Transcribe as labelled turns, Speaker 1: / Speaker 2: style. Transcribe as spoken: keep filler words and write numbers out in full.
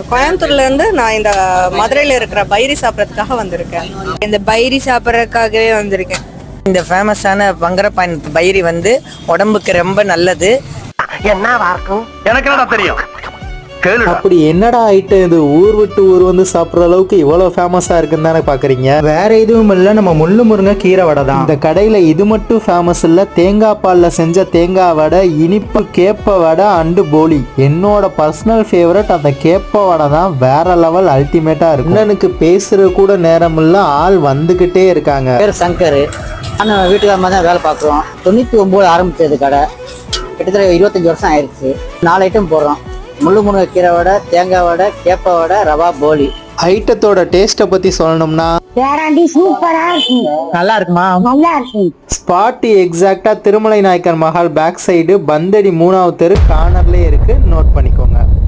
Speaker 1: கோயம்புத்தூர்ல இருந்து நான் இந்த மதுரையில இருக்கிற பைரி சாப்பிட்றதுக்காக வந்திருக்கேன்.
Speaker 2: இந்த பைரி சாப்பிட்றதுக்காகவே வந்திருக்கேன்.
Speaker 3: இந்த ஃபேமஸான பங்கரப்பான் பைரி வந்து உடம்புக்கு ரொம்ப நல்லது.
Speaker 4: என்னவா இருக்கும் எனக்கு என்ன தெரியும்.
Speaker 5: அப்படி என்னடா ஐட்டம் இது, ஊர் விட்டு ஊர் வந்து சாப்பிட்ற அளவுக்கு இவ்வளவு ஃபேமஸா இருக்குன்னு தானே பாக்குறீங்க. வேற எதுவும் இல்ல, நம்ம முள்ளு முருங்கை கீரை வடை தான். இந்த கடையில இது மட்டும் ஃபேமஸ் இல்ல, தேங்காய் பால்ல செஞ்ச தேங்காய் வடை, இனிப்பு கேப்ப வடை அண்டு போலி. என்னோட பர்சனல் ஃபேவரட் அந்த கேப்ப வடை தான். வேற லெவல் அல்டிமேட்டா இருக்கு. அண்ணனுக்கு பேசுற கூட நேரம் இல்ல, ஆள் வந்துகிட்டே இருக்காங்க.
Speaker 6: பேர் சங்கர். ஆனால் வீட்டுக்காரமாக தான் வேலை பார்க்குறோம். தொண்ணூற்றி ஒம்பது ஆரம்பிச்சது கடை, கிட்டத்தட்ட இருபத்தஞ்சி வருஷம் ஆயிடுச்சு. நாலு ஐட்டம் போடுறோம். முள்ளு முருங்கை கீரை வடை, தேங்காய் வடை, கேப்ப வடை, ரவா போலி.
Speaker 5: ஐட்டத்தோட டேஸ்ட்டை பத்தி சொல்லணும்னா
Speaker 7: சூப்பரா இருக்கும்.
Speaker 6: நல்லா இருக்குமா?
Speaker 7: நல்லா இருக்கும்.
Speaker 5: ஸ்பாட் எக்ஸாக்டா திருமலை நாயக்கர் மஹால் பேக் சைடு பந்தடி மூணாவது தெரு கார்னர்லயே இருக்கு. நோட் பண்ணிக்கோங்க.